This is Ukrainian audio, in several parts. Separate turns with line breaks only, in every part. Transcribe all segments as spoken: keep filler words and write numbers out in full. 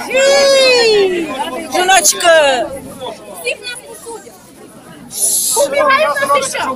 Жіночка!
Всіх нас посудять. Убивають нас і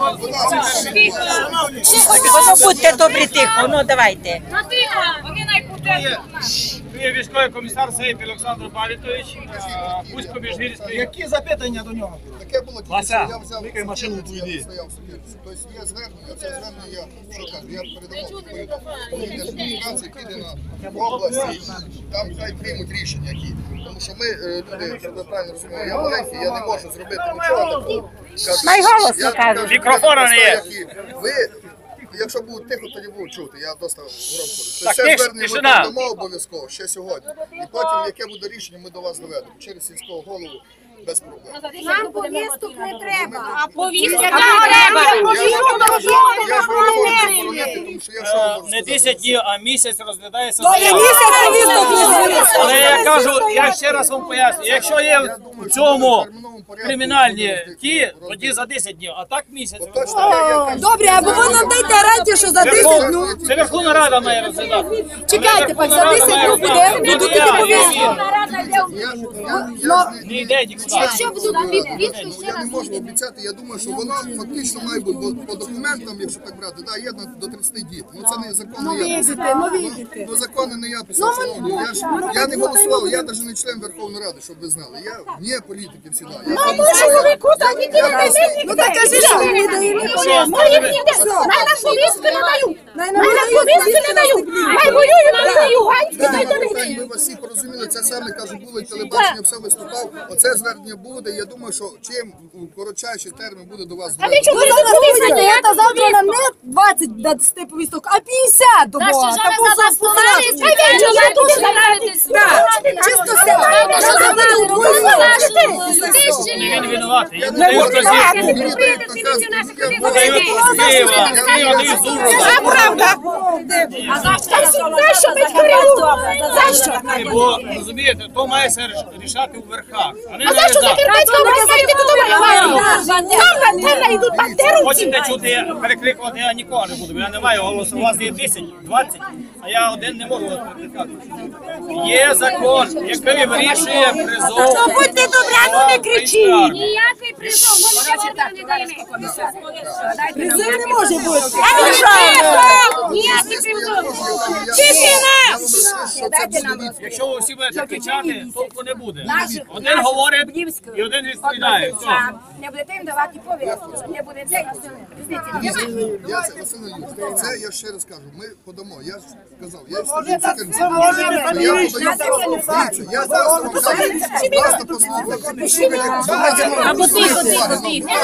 що?
Ну, будьте добрі, тихо, ну давайте.
На тихо, вони найпутають.
Тут є військовий комісар Сейп Олександр Павлітович, Бузько Міжгірський.
Які запитання до нього?
Таке було,
Вася,
я взяв
викай машину в твій дій.
Тобто є звернення, це звернення я, що кажу, я передавав адміністрації, піде на області, там хай приймуть рішення які. Тому що ми, люди, щоб ви правильно розуміли, я маленький, я не можу зробити нічого такого.
Найголосно кажуть.
Мікрофона не є.
Ви, якщо будуть тихо, тоді будуть чути, я досить громко.
Так,
Це
тиш-
звернення ми
тишина.
передамо обов'язково ще сьогодні. І потім, яке буде рішення, ми до вас доведемо. Через сільського голову без проблем.
Нам повісток не треба. А
повісток
не
треба.
Я ж не можу заборонити, тому що я що можу
Не
сказати?
десять днів, а місяць розглядається
Я
заява.
місяць повісток не зробила.
Але я кажу, я ще раз вам поясню, якщо є в цьому кримінальні ті, тоді за десять днів, а так місяць.
Точно, я- я кажу,
Добре, або ви нам дайте гарантію, що за десять днів.
Це Верховна Рада має розглядати.
Чекайте, пак, за десять днів буде, будуть такі повістки.
я- я- я ж не-
Не йде нікуди.
Якщо будуть відповідки, ще
Я
раз
не можу обіцяти, я думаю, що воно фактично має бути, бо по документам, якщо так брати, да, є на- до тридцяти дітей. Ну це не закон, не я писав.
ну видите.
Ну закони не я писав, шановні. Я ж я не голосував, я навіть не член Верховної Ради, щоб ви знали. Я вне політики всі. Я
чоловіку так і
Ну так кажи, що ви не даєте.
Мої ніде. Най на повістки не дають. Най на повістки не дають. Най воюють, не дають. Ганські дай до
Так, ми вас всі порозуміли, це саме, кажу, було і телебачення, все виступав. Оце звернення буде, я думаю, що чим у коротчайший термін буде до вас звернення.
Ви зараз повістки, я та завтра нам не двадцять дасте повісток, а п'ятдесят до Бога. Та чисто сядайте, що забили
Він винуватий. Я
Не
не
можна
можу
так, мені дають наказ, я
Дають з Києва, з Києва дають з Ужгорода.
Це правда.
А за що ми коригуємо? За що?
Бо, розумієте, то має все рішати у верхах. А не
А за що
на
Закарпатська область йде туди воювати? Там антенна йдуть бандеровці.
Хочете чути, я перекликувати я нікого не буду, бо я не маю голосу. У вас є десять, двадцять, а я один не можу вас перекликати. Є закон, який вирішує призов.
Ну будьте добрі, ну не кричіть.
Ніякий призов, ми нічого не даємо.
Призив не може бути.
Ніякий призов.
Тишина!
Якщо ви всі будете кричати, толку не буде. Один говорить і один відповідає. Все.
Не будете їм давати повістку. Не будете.
Я це, Василь Юрійович, це я ще раз кажу, ми подамо, я ж сказав, я стою я подаю, дивіться, я зараз вам кажу, просто послухайте. Або тихо, тихо,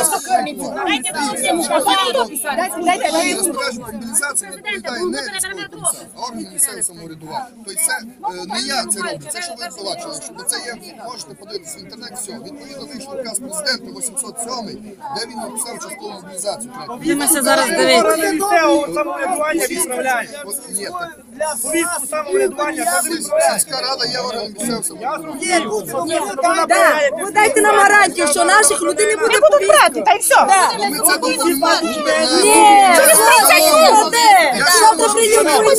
тихо. Розпорядження мобілізації відповідає не військовий комісар, а орган місцевого самоврядування. Тобто це е, не я це роблю, це що ви побачили, щоб це є, можете подивитися в інтернеті, все. Відповідно вийшов указ президента вісімсот сьомий, де він написав часткову мобілізацію.
Будемося зараз дивитися.
Місцевого самоврядування відправляє.
От, ні, так.
Повістку самоврядування теж
Сільська рада є орган місцевого самоврядування.
Да, ви дайте нам гарантію, що наших людей не буде повістки. Та й все.
Ну, ми це допомагаємо.
Ні, це буде. Завтра прийдемо.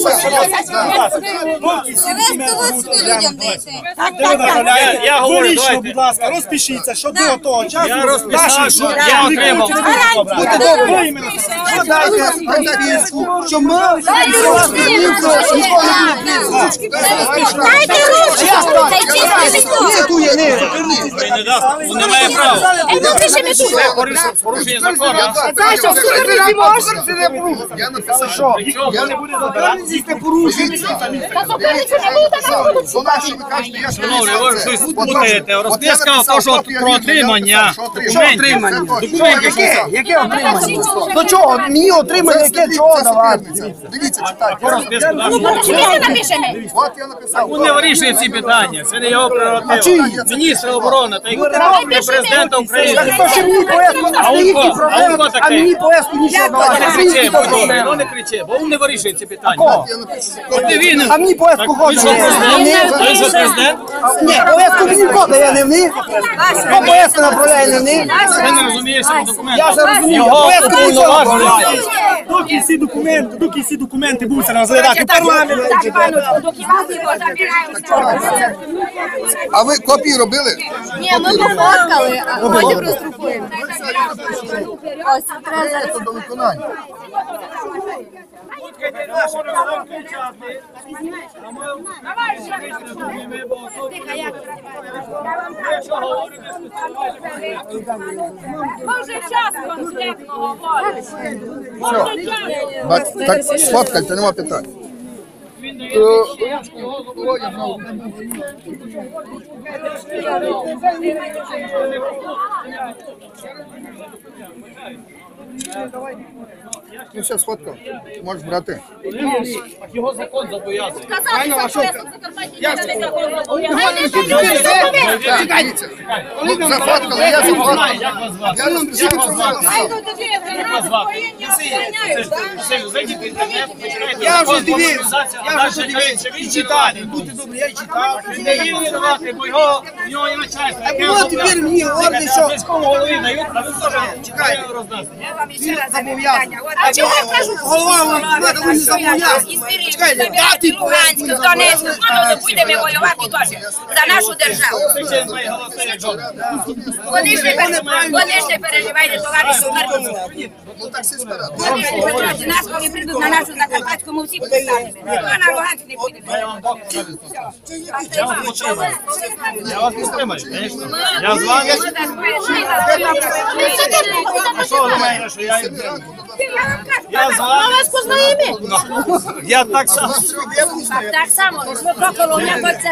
Я, я говорю,
Вирішно,
давайте.
будь ласка, розпишіться, що до того часу
Я розписав, що я отримав.
Будьте добрі, іменно. Що дайте повістку, що ми...
Дайте ручку. Це чисто.
Ні, ту є, ні.
Він не дасть, він не має права. Це порушення- порушення закону.
Я написав,
Я не буду забирати, здійсне порушення.
Шановні, ви щось путаєте. Розписка то, що про отримання документів. Документів.
Яке? Яке отримання? До чого? Мені отримання, яке чого давати?
Дивіться, читайте.
По розписку, да?
От я написав.
Він не вирішує ці питання. Це не його прерогатива. Міністр оборони та й президента України.
То ще мені повестку,
А
а
он
їхні
хто? А он хто
проблеми, а
такий?
мені повестку нічого
Ну не
давати.
кричи, ну не кричи, бо він не вирішує ці питання.
Кого?
Я напишу, що
От не він.
А мені повестку
Він
хоче.
що президент? Він що президент?
Ні, повестку мені кода, я не в них. Хто повестку направляє не в них?
Ти не розумієш цього документу.
Я вже розумію,
Його
повестку мені
уповноважують.
Доки всі документи, доки всі документи будуть розглядати в парламенті.
А ви копії робили?
Ні, ми пофоткали, а потім роздрукуємо. Ось, треба
Це до виконання.
Може час конкретно говорить.
Все. Бать, так сфоткайте, нема питань. Ну все, сфоткав. Можеш брати.
Його закон зобов'язує.
Дивіться. Ну, зафоткали, я зафоткав.
Як вас звати?
Я розписав, що записав.
Як вас звати? Василь, зайдіть в інтернет, почитайте.
Я вже
Закон про
дивився,
мобілізацію,
я
а
вже
далі
дивився.
кажуть, що він
І читав.
читає.
Будьте добрі, я читав.
Він не вільний давати, бо його, в нього є начальство. яке
було
зобов'язане.
тепер мені говорити, що-
Міському голові дають, а він теж чекає роздасться.
Він зобов'язаний.
А чого я кажу?
Голова вам треба не зобов'язаний. Чекайте, дати повестку.
Луганськ, Донецьк, ну, будемо воювати теж за нашу державу.
Кричить мої голоси, як жоден.
Вони ж не пере- вони ж не переживайте, товаришу Мирку.
Ну так всі спирати.
Вони ж не переживайте. Нас, коли прийдуть на нашу Закарпатську, ми всі поставимо. Ніхто на Луганськ не буде.
Я вас не стримаю, звісно. Я з вами. А що ви думаєте, що я їм стримую? Я з вами. Я так само.
Так само, ми проколоня це.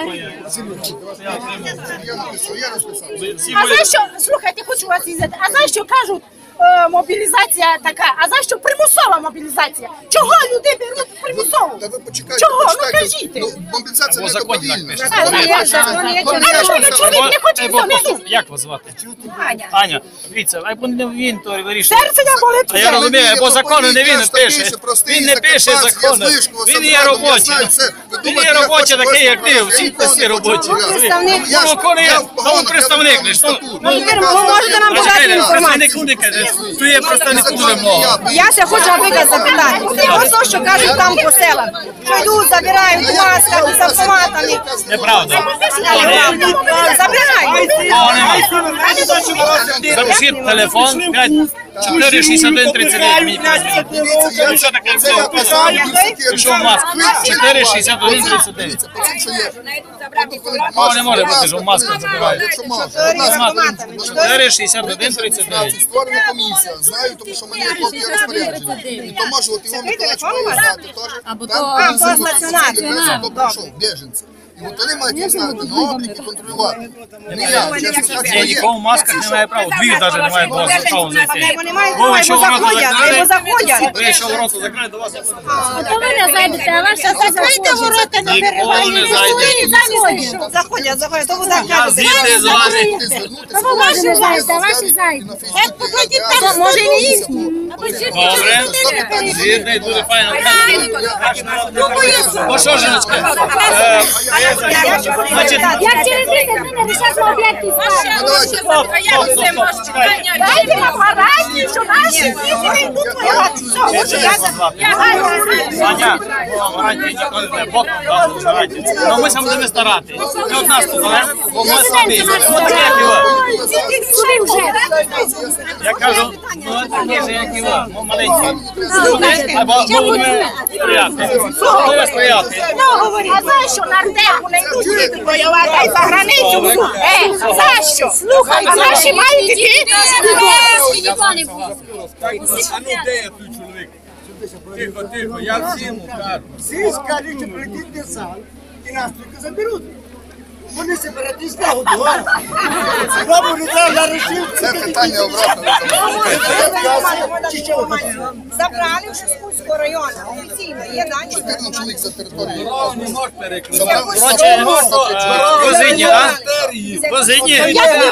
Я написав, я розписав.
Всі
А
мої-
знаєш що, слухайте, хочу вас їздити, а знаєш що кажуть, е, мобілізація така, а знаєш що, примусова мобілізація. Чого люди беруть примусово?
Та ви почекайте,
Чого? Ну
почекайте.
кажіть.
Ну, мобілізація
Бо
не
закон так
добровільна.
пише.
А, ну, я ж- А що, ну, чоловік не хоче
Ей, Бог,
йти?
послухай, як вас звати?
Аня.
Аня, дивіться, а не він то вирішує.
Серце я болить.
А я розумію, бо закону не він пише. Він не пише закону. Він є робочий. Він є робочий такий, як ти. Всі всі робочі.
представник.
Ну, коли, ну, ви представник, не що? Ну,
ви можете нам подати інформацію?
Tu je представник дуже много.
Я ще хочу, наприклад, запитати. Ось то, що кажуть там по селах. Що йдуть, забирають в масках, з автоматами.
Неправда.
Забирають.
Запишіть телефон п'ять чотири шістдесят один тридцять дев'ять. Мені позвоніть.
Ну
що таке?
Це я писав,
Пішов в маску. чотири шістдесят один тридцять дев'ять.
Пацан, що є.
О, не може бути, що в маску забирають.
Якщо можна.
чотири шістдесят один тридцять дев'ять.
Створена комісія. Знаю, тому що в мене є копія розпорядження. І то може от Іван Миколаївич має знати теж.
Або
Там
то-
комісія
А, то стаціонар.
комісія, хто прийшов, біженці. І от вони мають їх знати на облік і контролювати. Не я, чесно
Ні,
кажучи,
нікого в масках не має права. Двір навіть не має права зайшов зайти.
Вони мають
Ви
права,
що
бо
в рота
заходять,
закрили?
бо заходять.
Ви що в рота закрили, до вас я подивлюся.
А то ви не зайдете, а ваша
Закрийте ворота, не
Ніколи не зайде.
Заходять, заходять, то ви так
Я
кажете.
звідти з вами.
ти звернутися,
ви ваші
можете
зайдете, а ваші
зайти
зайдете.
і на Фейсбуці, і на
Там, може, і не їхні.
Добре. Звідти дуже файно. Ну що, жіночка? Е, Значить,
Як через десять хвилин рішати об'єкти
Дайте нам гарантію, що наші діти не йдуть воювати. Все, хочу я за- я гарантію.
Саня, гарантії ніколи не Бог нам дасть гарантії. Ну ми сам будемо старати. Не од нас тут залежить, бо ми самі. Ось таке, як і ви. Я кажу, ну такі ж, як і ви, ну, маленькі. Люди, або будемо стояти. Будемо стояти.
А за що нардепу не йдуть діти воювати, а й за границю всю? Е, за що? Слухай, а наші мають діти?
Ніхто не буде.
А ну де я той чоловік? Тихо, тихо, я всім кажу.
Всі скажуть, що прийдіть на зал і нас тільки заберуть. Вони сепаратисти годували. Бабу не треба рішив.
Це питання обратно.
Забрали в Шускульського району, офіційно, є дані.
чотирнадцять чоловік за територією.
Не можеш перекрити.
Забрали
Коротше,
сто
ви позині, а? Позині. Я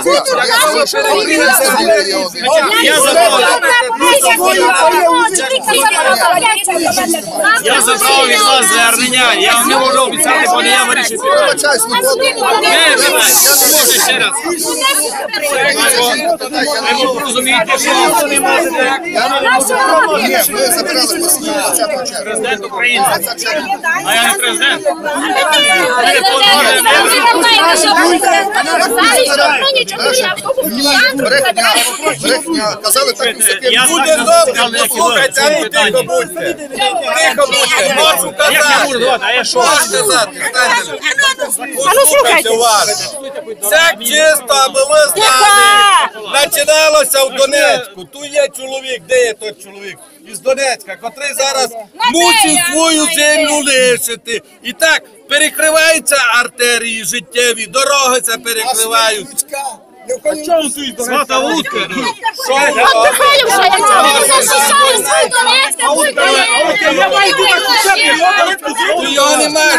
Я забрав від вас звернення, я вам не можу обіцяти, бо не я вирішив.
Вибачаюсь, ну, от-
Не, давай, я не можу ще раз. Ви розумієте, що ви не можете.
Ні, ми забирали посвідчення двадцятого червня.
Президент України. А я не президент.
Ні, брехня, брехня. Казали так і всяке.
Я
Буде добре, послухайте, а ну тихо будьте. Тихо будьте, можу
Як я
казати.
можу давати, а я що?
Можу сказати, станьте. Послухайте уважно. Це чисто, аби ви знали. Починалося в Донецьку. Тут є чоловік, де є той чоловік? Із Донецька, котрий зараз мусить свою землю лишити. І так, перекриваються артерії життєві, дороги це перекривають.
Свата утка.
Ну його немає.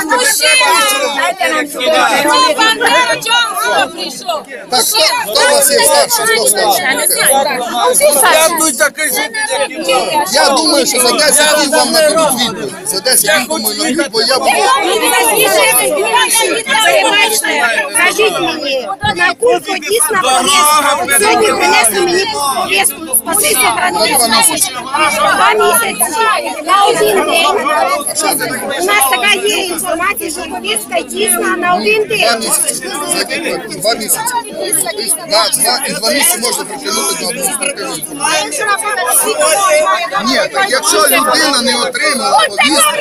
Так, хто, хто у вас є старший? Хто старший?
Дякуйте, кажіть, які ви.
Я думаю, що за десять днів вам нададуть відповідь. За десять днів, думаю, нададуть, бо я буду...
Скажіть мені, на курку дійсно повістка. От сьогодні принесли мені повістку. Спасибо,
Два місяці.
Два місяці. На один день. У нас така є інформація, що повістка дійсна на один
Два
день.
місяці. За який рік? Два місяці. Тобто, на два і два місяці можна притягнути до адміністративної відповідальності. Ні, так якщо людина не отримала повістку,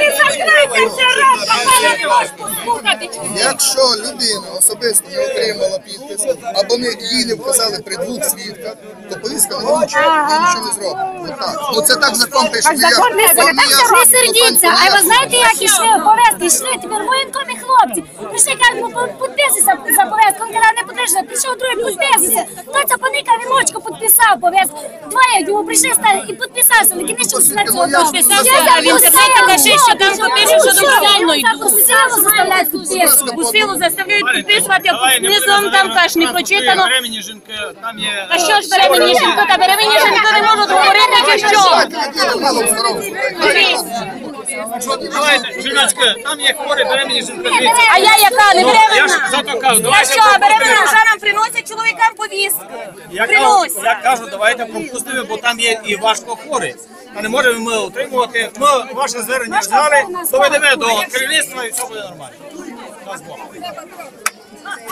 якщо людина особисто не отримала підпис, або не, їй не вказали при двох свідках, то повістка не вручена, їй нічого не зробить. Отак. Ну це так закон пише.
Так закон не
я- я-
Не сердіться, а ви знаєте, як ішли повестки, йшли тепер воєнкомі хлопці. Прийшли, кажуть, ну підписуйся за повестку. Він казав, не підпишуся, прийшов другий, підписуйся. Той це поникав і ручку підписав повестку. Двоє йому прийшли стали і підписався, на кінець на цього.
Підписався, а в інтернеті каже, що там попише, що добровільно йдуть.
У силу заставляють підписувати.
У силу заставляють підписувати, а під низом там каже, не прочитано.
Беременні жінки, там є...
А що ж беременні жінки? Та беременні жінки не можуть говорити, чи що?
Людина мало здоров'я.
Давайте, жіночки, там є хворі беременні жінки. Дивіться.
А я яка, не
Я ж
беременна?
зато кажу,
Я
давайте
що, беременна
пропустимо.
вже нам приносять чоловікам повістки?
Я кажу,
Приносять.
я кажу, давайте пропустимо, бо там є і важко хворі. А не можемо ми утримувати. Ми ваше звернення взяли, доведемо до керівництва і все буде нормально. Дасть Бог.